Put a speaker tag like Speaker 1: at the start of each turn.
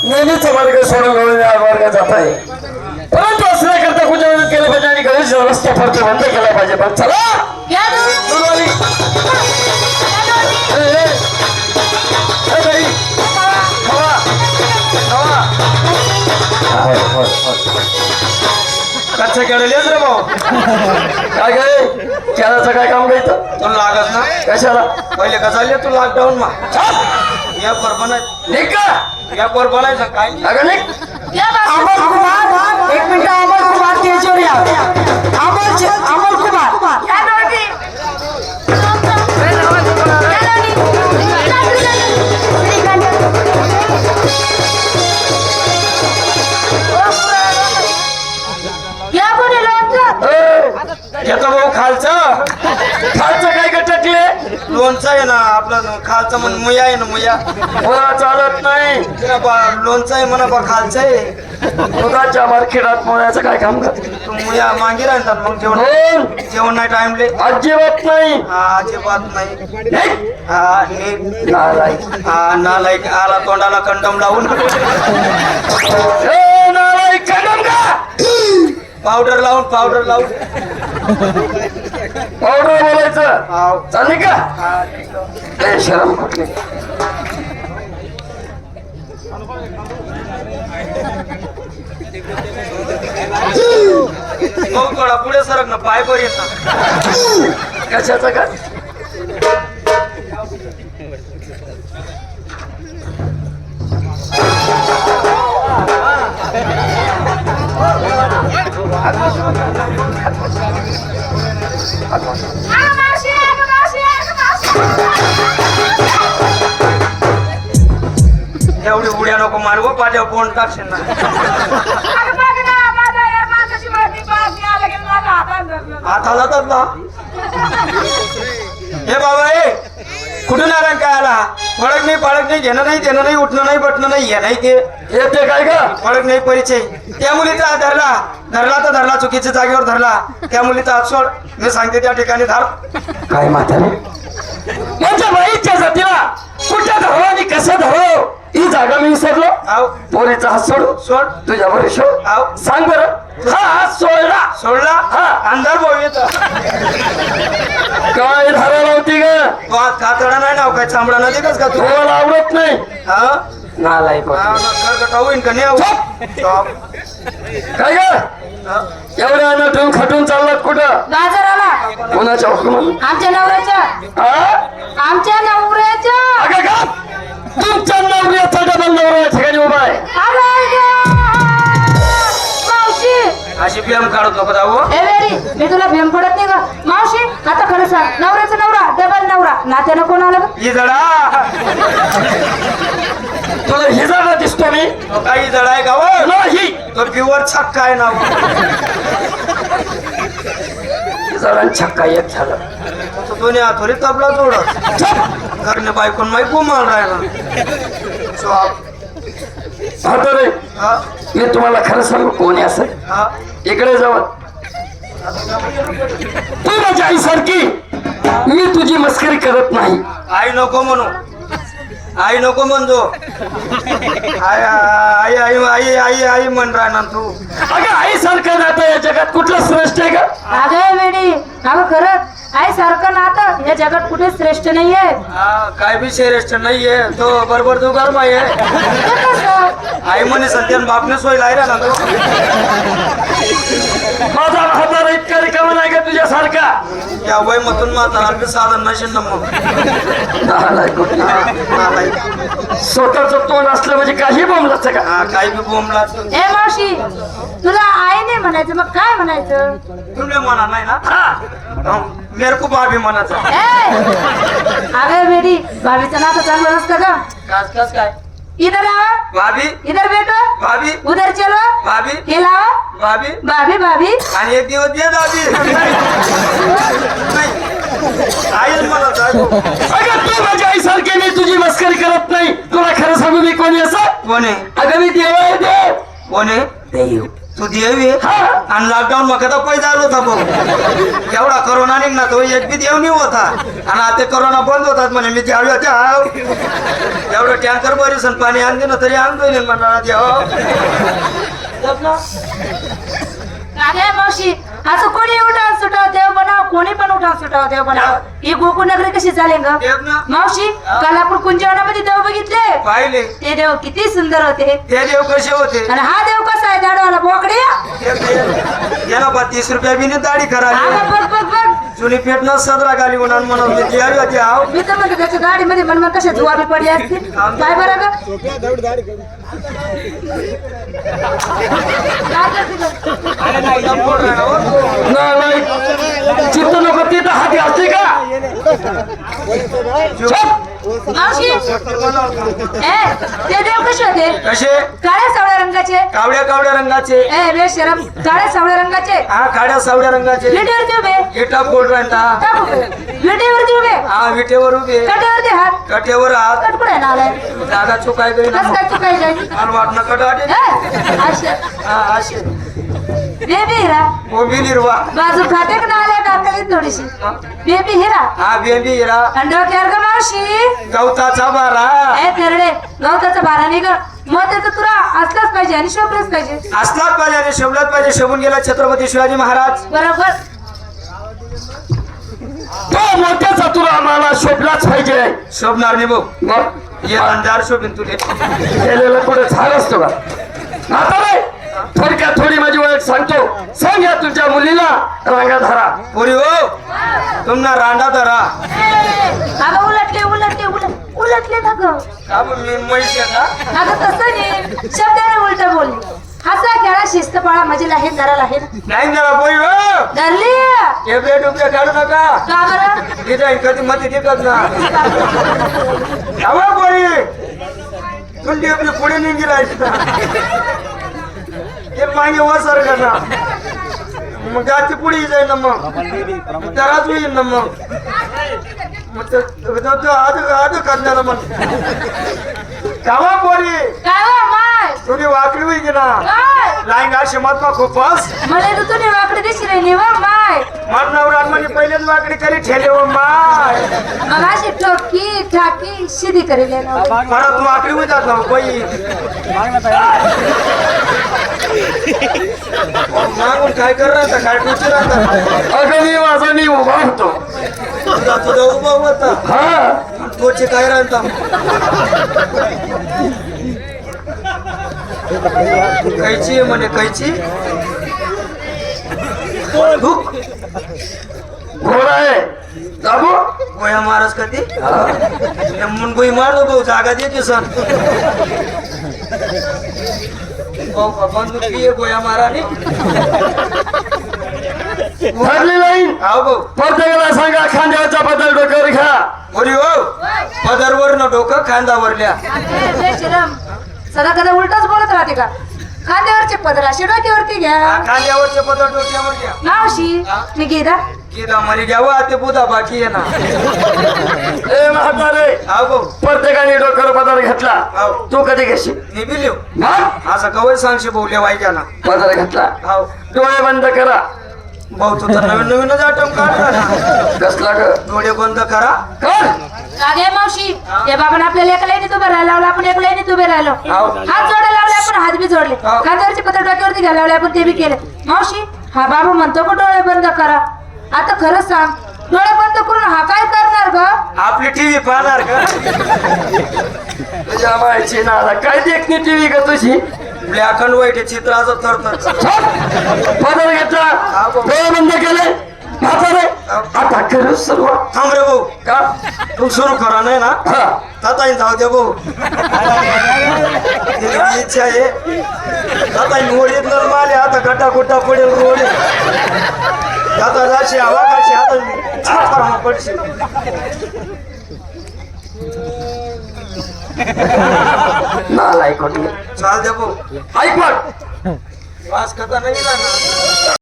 Speaker 1: नेहमीच वर्ग सोडून वर्ग जात आहे, परंतु असण्याकरता कुठे केलं पाहिजे आणि गणेश रस्ता फरते बंद केला पाहिजे. पण चला
Speaker 2: कच्चा केलेलेच रे भाऊ.
Speaker 1: काय काय केळाचं काय काम घ्यायचं
Speaker 2: तुला लागत ना
Speaker 1: कशाला
Speaker 2: पहिले का चालले तू लॉकडाऊन मा या पर बनायचं
Speaker 1: निघ का
Speaker 2: या पर बनायचं काय
Speaker 1: अगं निघ.
Speaker 3: अमोल कुमार, एक मिनिट. अमोल कुमार स्टेजवर या. अमोल कुमार
Speaker 2: घेतो भाऊ खालचं
Speaker 1: खालचं काय गटकले
Speaker 2: लोणचं आहे ना आपला खालचं म्हण मुया आहे ना मुया
Speaker 1: मला चालत नाही.
Speaker 2: लोणचं आहे म्हणा बा खालचं आहे
Speaker 1: दुधाच्या मार्केटात मोळ्याचं काय काम करते
Speaker 2: तू मुया मागे राहतात मग जेवण
Speaker 1: बोल.
Speaker 2: जेवण नाही टाइमले
Speaker 1: अजिबात नाही.
Speaker 2: हा अजिबात नाही
Speaker 1: निघ.
Speaker 2: हा नीट
Speaker 1: नालायक.
Speaker 2: हा नालायक आला तोंडाला कंडम लावून
Speaker 1: ए, नालायक कदम का
Speaker 2: पावडर लावून
Speaker 1: पावडर बोलायचं
Speaker 2: हाव.
Speaker 1: चालले का
Speaker 2: हा,
Speaker 1: ए, शरम कुठली
Speaker 2: भाऊ थोडा पुढे सरक ना पाय बर येत ना
Speaker 1: कशाचं का
Speaker 2: एवढी उड्या नको मारव पाट्यावर कोण टाकशील ना हाताला तर ना हे बाबा ए कुठून आला काय आला फळक नाही पाळक नाही घेणं नाही देणं नाही उठणं नाही बटणं नाही हे नाही ते
Speaker 1: येते काय का
Speaker 2: फळक नाही परिचय त्या मुलीचा हात धरला धरला तर धरला चुकीच्या जागेवर धरला त्या मुलीचा हात सोड मी सांगते त्या ठिकाणी धर
Speaker 1: काय म्हातारे माझ्या बाईच्या जातीला कुठे धरो आणि कसं धरो ही जागा मी विसरलो.
Speaker 2: आव
Speaker 1: पोरीचा हात सोड
Speaker 2: सोड
Speaker 1: तुझ्या बरे सोड
Speaker 2: आव
Speaker 1: सांग बरं हा हात सोडला
Speaker 2: सोडला
Speaker 1: हा.
Speaker 2: अंधार भाऊ येत
Speaker 1: काय धरायला होती ग
Speaker 2: कातडा नाही नाव काय चांबडा नदी कस का तू
Speaker 1: तुम्हाला आवडत नाही
Speaker 2: हा
Speaker 1: नालायक
Speaker 2: होईन का नाही
Speaker 1: चुप. काय ग एवढ्या अन्न ठेवून खटून चाललात कुठं
Speaker 3: बाजाराला
Speaker 1: कोणाच्या हुकुमात
Speaker 3: आमच्या नवऱ्याच्या
Speaker 1: हा
Speaker 3: आमच्या नवऱ्याच्या
Speaker 1: अगं का तुमच्या नवऱ्याचा डबल नवरा या ठिकाणी उभा आहे.
Speaker 3: मावशी
Speaker 2: अशी बियाम काढत नको जाऊ
Speaker 3: ए वेरी मी तुला भेम पडत नाही का मावशी आता खरं सांग नवऱ्याचा नवरा डबल नवरा नात्यानं कोण आलं गं?
Speaker 2: ही जडा
Speaker 1: तुला हिजाडा दिसतो मी
Speaker 2: काही जड आहे का व?
Speaker 1: नाही
Speaker 2: तो प्युअर छक्का आहे ना
Speaker 1: हिजाडा छक्का एक झालं.
Speaker 2: तो दोन्ही हातोरी तबला जोडत घरने बायकोन माई गुमाल राहिला स्वाप.
Speaker 1: म्हातारे
Speaker 2: हा
Speaker 1: मी तुम्हाला खरं सांगू कोणी असं
Speaker 2: हा
Speaker 1: इकडे जाऊ तू माझ्या आईसारखी मी तुझी मस्करी करत नाही.
Speaker 2: आई नको म्हणू आई नको म्हणतो आई आई आई आई आई आई म्हण राहणार तू
Speaker 1: अगं आईसारखं नातं या जगात कुठलं श्रेष्ठ आहे का
Speaker 3: अगं वेडी अगं खरंच आई सारखं नातं या जगात कुठे श्रेष्ठ नाहीये
Speaker 2: हा काय बी श्रेष्ठ नाहीये तो बरोबर तू गरम आहे
Speaker 3: ते कसं?
Speaker 2: आई म्हणे सध्या बापने सोय लायला ना तो
Speaker 1: माझा म्हातारा इतका रिकामा नाही का तुझ्यासारखा
Speaker 2: या वय मधून म्हातारा साधन नसेल ना मग
Speaker 1: स्वतःच तोंड असलं म्हणजे काही बोंबलाच का
Speaker 2: हा काही बी बोंबला
Speaker 3: ए मावशी तुला आई नाही म्हणायचं मग काय म्हणायचं
Speaker 2: तुला म्हणा नाही ना
Speaker 1: हा
Speaker 2: मेरे को भाभी म्हणायचं
Speaker 3: ए अगं बेटी भाभीचं नातं चांगलं नसतं का
Speaker 2: कस कस काय
Speaker 3: इधर आओ
Speaker 2: भाभी
Speaker 3: इधर बैठो
Speaker 2: भाभी
Speaker 3: उधर चलो
Speaker 2: भाभी
Speaker 3: खिलाओ
Speaker 2: भाभी
Speaker 3: भाभी भाभी
Speaker 2: आणि एक दिवस दे दादी नाही आईच म्हणत आहे.
Speaker 1: अगं तू माझ्या आईसारखी मी तुझी मस्करी करत नाही तुला खरं सांगू मी कोणी असं
Speaker 2: कोण आहे
Speaker 1: अगं मी देव आहे देव
Speaker 2: कोण आहे
Speaker 1: देव
Speaker 2: तू देव आहे
Speaker 1: हा
Speaker 2: आणि लॉकडाऊन मग आता पैसा आलो होता भाऊ एवढा करोना निघणार तो एक बी देव नाही होता आणि आता करोना बंद होतात म्हणे मी त्यावेळी एवढं टँकर बरीच पाणी आणते ना तरी आणतोय मंडळात यावं.
Speaker 3: अरे मावशी असं कोणी उठाव सुटाव देव बनाव कोणी पण उठाव सुटाव देव बनाव ही गोकुळ नगरी कशी चालेल ग
Speaker 2: देव ना
Speaker 3: मावशी काल आपण कुंजवनामध्ये देव बघितले
Speaker 2: पाहिले
Speaker 3: ते देव किती सुंदर होते
Speaker 2: ते देव कसे होते
Speaker 3: आणि हा देव कसा आहे दाडवाला बोकडे
Speaker 2: याला 30 रुपया बी नाही दाढी
Speaker 3: हा
Speaker 2: करायला
Speaker 3: बघ बघ बघ
Speaker 2: जुनी पेटणं सदरा गाली म्हणून म्हणून मी ती आली होती आव
Speaker 3: मी तर म्हणते त्याच्या गाडीमध्ये मन कशा जुवाबी पडली असते काय बरं ग काय करते
Speaker 1: नाही चित्त नको तिथं हाती असते का
Speaker 3: मावशी ते देव कसे होते
Speaker 2: कसे
Speaker 3: काळ्या सावळ्या रंगाचे
Speaker 2: कावड्या रंगाचे
Speaker 3: ए बेशरम काळ्या सावळ्या रंगाचे
Speaker 2: हा खाड्या सावड्या रंगाचे
Speaker 3: विटेवरती उभे
Speaker 2: इटा बोल राहता
Speaker 3: विटेवरती उभे
Speaker 2: हा विटेवर उभे
Speaker 3: कटेवरती हात
Speaker 2: कटेवर हात
Speaker 3: कटकुडे नालाय
Speaker 2: जागा चुकाय गई ना
Speaker 3: कस काय चुकाय जाईल
Speaker 2: मला वाटणं कटाटे
Speaker 3: असे
Speaker 2: हा असे
Speaker 3: बेबी हिरा
Speaker 2: मोबी निर्वा
Speaker 3: बाजू खाते का नाल्या टाकली थोडीशी बेबी हिरा
Speaker 2: हा बेबी हिरा
Speaker 3: अंडो केर ग मावशी
Speaker 2: गवताचा बारा
Speaker 3: ए तेरडे गवताचा भारा निघ मग त्याचं तुला असलाच पाहिजे आणि शोभलंच पाहिजे
Speaker 2: असलाच पाहिजे आणि शोभलाच पाहिजे शोभून गेला छत्रपती शिवाजी महाराज
Speaker 3: बरोबर
Speaker 1: तो मोठ्याचा तुला आम्हाला शोभलाच पाहिजे
Speaker 2: शोभणार नाही भाऊ
Speaker 1: मग
Speaker 2: ये अंधार शोभीन तुले
Speaker 1: केलेलं कुठे झाड असतो का आता रे थोडक्यात थोडी माझी ओळख सांगतो सांग या तुमच्या मुलीला रांगा धरा
Speaker 2: पुरी हो तुम्हाला रांडा धरा
Speaker 3: अगं उलटले उलटले उलटले ना ग
Speaker 2: का बरं मी म्हैस आहे का
Speaker 3: अगं तसं नाही शब्दाने उलट बोलली हसा खेळा शिस्त पाळा माझी लाहीन धरा लाहीन
Speaker 2: नाही जरा पोरी हो
Speaker 3: धरली
Speaker 2: टेबले टुबले काढू नका
Speaker 3: का बरं
Speaker 2: तिथे कधी मती टिकत ना हवा पोरी तुला टेबले पुढे निघी राहायची ते मागे वसर का ना मग जाती पुढे जाईल ना मग त्यालाच होईल ना मग आध करणार मग कावा पोरी
Speaker 3: काय हो माय
Speaker 2: तुझी वाकडी होई की ना
Speaker 3: काय
Speaker 2: लाईन अशी मत खूपच
Speaker 3: मला तर तुम्ही वाकडे दिशी राहिली वा माय
Speaker 2: मन नवरान म्हणजे पहिलेच वाकडी करी ठेले हो माय
Speaker 3: मग अशी ठोकी ठाकी शिदी करेल ना
Speaker 2: परत वाकडी होई जात ना बाई मागून काय करणार काय टुची राहतात
Speaker 1: अगं मी उभा होतो
Speaker 2: तुझा उभा होता
Speaker 1: हा
Speaker 2: तोचे काय राहता कैची म्हणे कैची धूप
Speaker 1: घोडा आहे दाबू
Speaker 2: गोया महाराज कधी म्हणून गोई मारतो भाऊ जागा देते सण बंदूक आहे गोया महाराणी
Speaker 1: ठरली लाईन
Speaker 2: हा भाऊ
Speaker 1: प्रत्येकाला सांगा खांद्याचा बदल डोक्यावर घ्या
Speaker 2: बोली हो पदरवर न डोकं खांदावरल्या
Speaker 3: बेशरम सदा कदा उलटच बोलत राहते का खांद्यावरचे पदर असे डोक्यावरती घ्या
Speaker 2: खांद्यावरचे पदर डोक्यावर घ्या
Speaker 3: मावशी मी गेदा
Speaker 2: किदा मरी घ्यावा ते बुधा बाकी आहे ना
Speaker 1: ए म्हातारे
Speaker 2: हा भाऊ
Speaker 1: प्रत्येकाने डोक्यावर बदल घेतला
Speaker 2: हाव.
Speaker 1: तू कधी घेशील
Speaker 2: मी बिलिव
Speaker 1: मग
Speaker 2: असं कवय सांगशी बोलले वाईच्या ना
Speaker 1: बदल घेतला
Speaker 2: हाव
Speaker 1: डोळे बंद करा
Speaker 2: भाऊ तू तर नवीन नवीनच आटम काढला ना
Speaker 1: कसला ग
Speaker 2: डोळे बंद करा
Speaker 1: कर
Speaker 3: अगे मावशी ते बाबांना आपल्याला एका लाईनीत उभे राहायला लावलं आपण एका लाईनीत उभे राहिलो हात जोडायला लावले आपण हात बी जोडले
Speaker 2: हाव.
Speaker 3: खांद्यावरचे पत्र डोक्यावरती घ्यायला लावले आपण ते बी केले मावशी हा बाबा म्हणतो का डोळे बंद करा आता खरंच सांग डोळे बंद करून हा काय करणार ग
Speaker 2: आपली टीव्ही पाहणार का
Speaker 1: तुझ्या मायची नाला काय देखणी टीव्ही का तुझी
Speaker 2: ब्लॅक अँड व्हाईट चित्राचं थरथर
Speaker 1: बदल घेतला डोळे बंद केले म्हातारे आता करू सुरुवात
Speaker 2: थांब रे भाऊ
Speaker 1: का
Speaker 2: तू सुरू करा नाही ना
Speaker 1: हा
Speaker 2: ताताई जाऊ दे भाऊ तिची इच्छा आहे ताताई मोडीत नर माले आता गटा गुट्टा पडेल रोड आता जाशी हवा काशी आता पडशी
Speaker 1: नालाय कोटी
Speaker 2: चाल दे भाऊ
Speaker 1: ऐक मग
Speaker 2: वास कथा नाही ना